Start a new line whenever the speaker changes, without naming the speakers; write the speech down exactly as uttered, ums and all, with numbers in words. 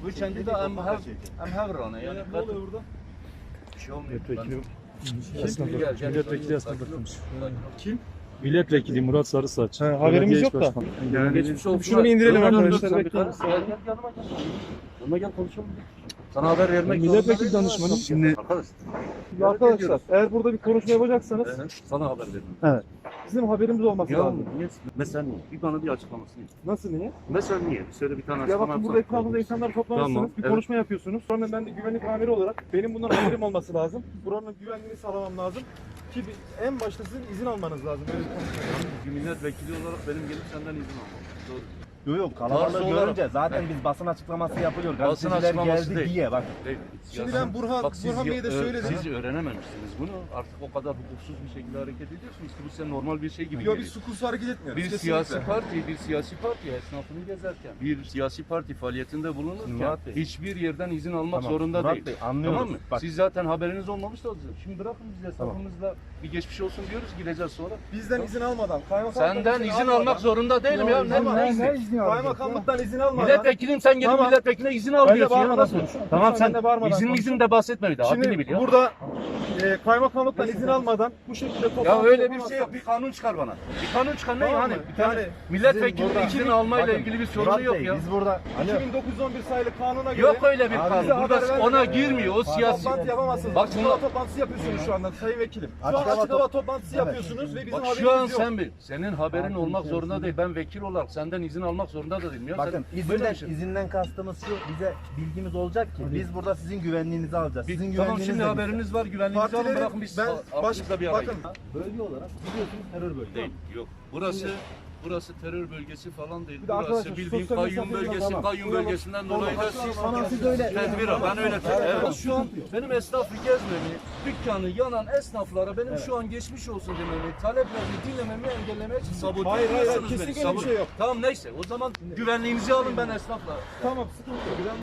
Bu kendi de em her em her rana yani.
Ne oluyor burada?
Bir şey olmuyor.
Milletvekili
Kim?
esnaf
Gel,
bakmış.
gel.
Milletvekili esnaf bakmış.
Kim?
Milletvekili Murat Sarısaç.
Ha, haberimiz
Belediye
yok
İş
da.
Başkanı.
Yani geçmiş olsun.
Şunu bir indirelim
Dur, dur, dur,
arkadaşlar,
sen bir
bekleyin.
kal- Gel gel yanıma gel. Yanıma gel konuşalım. Sana haber vermek
Milletvekili
zorunda
danışmanı.
değilim.
Şimdi-
Arkadaş.
Arkadaşlar eğer burada bir konuşma yapacaksanız
Ee, Sana haber verdim.
bizim haberimiz olması
Ya
lazım.
niye? Mesela niye? Bir bana bir açıklamasını.
Nasıl niye?
Mesela niye? Söyle bir tane
Ya
açıklama
bakın burada
yapsana.
etrafında insanlar toplamışsınız,
Tamam,
bir
evet.
konuşma yapıyorsunuz. Sonra ben de güvenlik amiri olarak benim bundan haberim olması lazım. Buranın güvenliğini sağlamam lazım. Ki bir- en başta sizin izin almanız lazım. Böyle bir konuşma.
Bir milletvekili olarak benim gelip senden izin almam. Doğru.
Yok yok
Tarzı
kalabalığı
olarak-
görünce zaten
Evet.
biz basın açıklaması yapılıyor.
Basın
Gazeteciler
açıklaması
geldi
değil.
diye bak.
Değil.
Şimdi
Ya
ben
sen-
Burhan-
bak siz
Burhan Bey'e de
ö-
söyledim.
Siz öğrenememişsiniz bunu. Artık o kadar hukuksuz bir şekilde hareket ediyorsunuz ki bu size normal bir şey gibi
Yok
geliyor.
biz sukursuz hareket etmiyoruz.
Bir
kesinlikle.
siyasi parti, bir siyasi parti esnafını gezerken, bir siyasi parti faaliyetinde bulunurken
Murat Bey.
hiçbir yerden izin almak
Tamam,
zorunda
Murat
değil.
Bey, anlıyoruz.
Tamam mı?
Bak.
Siz zaten haberiniz olmamış da olacak. Şimdi bırakın biz esnafımızla bir geçmiş olsun diyoruz, gideceğiz sonra.
Bizden izin almadan, kaymakamlıktan
Senden izin almak zorunda değilim ya. Ne,
Tamam,
ne
ne
izni?
Kaymakamlıktan izin almadan.
Milletvekilim sen gelip
Tamam.
milletvekiline izin al
Ben de
diyorsun ya.
bağırmadan
Nasıl?
konuşuyorum.
Tamam
Lütfen
sen
ben de bağırmadan
izin
konuşuyorum.
izin de bahsetme bir daha. Haddini
Şimdi
bil ya.
burada e, kaymakamlıktan izin almadan bu şekilde toplantı
Ya öyle bir
yapamazsak-
şey yok. Bir kanun çıkar bana. Bir kanun çıkar ne
Tamam
yani?
mı?
Bir tane
Yani
milletvekili
sizin burada-
izin almayla
Bakın,
ilgili bir sorunu
Murat
yok
Bey,
ya.
Biz burada
iki bin dokuz yüz on bir sayılı kanuna göre
Yok öyle bir
Abi
kanun.
bize
Burada
haber vermeden-
ona girmiyor. O siyasi.
toplantı yapamazsınız.
Bak
Açık
bunu-
hava toplantısı yapıyorsunuz şu anda Sayın Vekilim. Şu an
Açık hava
açık hava toplantısı
Evet.
yapıyorsunuz ve bizim
Bak
haberimiz
şu an
yok.
sen bil. Senin haberin olmak zorunda değil. Ben vekil olarak senden izin almak zorunda da değilim. Ya
bakın
sen böyle
izinden,
bir şey-
izinden kastımız şu, bize bilgimiz olacak ki biz burada sizin güvenliğinizi alacağız.
Bir-
Sizin
tamam
güvenliğiniz
şimdi
de bizde.
haberiniz var. Güvenliğinizi alın
Partilerin-
bırakın biz
ben
a-
baş,
aklınızla bir arayın.
bakın
Bölge olarak biliyorsunuz terör bölgesi.
Değil. Yok. Burası burası terör bölgesi falan değil.
Bir de
Burası
arkadaşlar,
bildiğin
sosyal
kayyum
mesafeyi
bölgesi.
tamam.
Kayyum
Tamam.
bölgesinden
Tamam.
dolayı da siz
Ama siz öyle-
tedbir al. Ben öyle tedbir
Evet.
evet. Şu an benim esnafı gezmemi, dükkanı yanan esnaflara benim şu an geçmiş olsun dememi, taleplerini dinlememi engellemeye için sabote
Hayır, hayır,
ediyorsunuz beni.
kesinlikle bir
Sabot-
şey yok.
Tamam neyse o zaman güvenliğinizi alın ben esnafla.
tamam sıkıntı yok.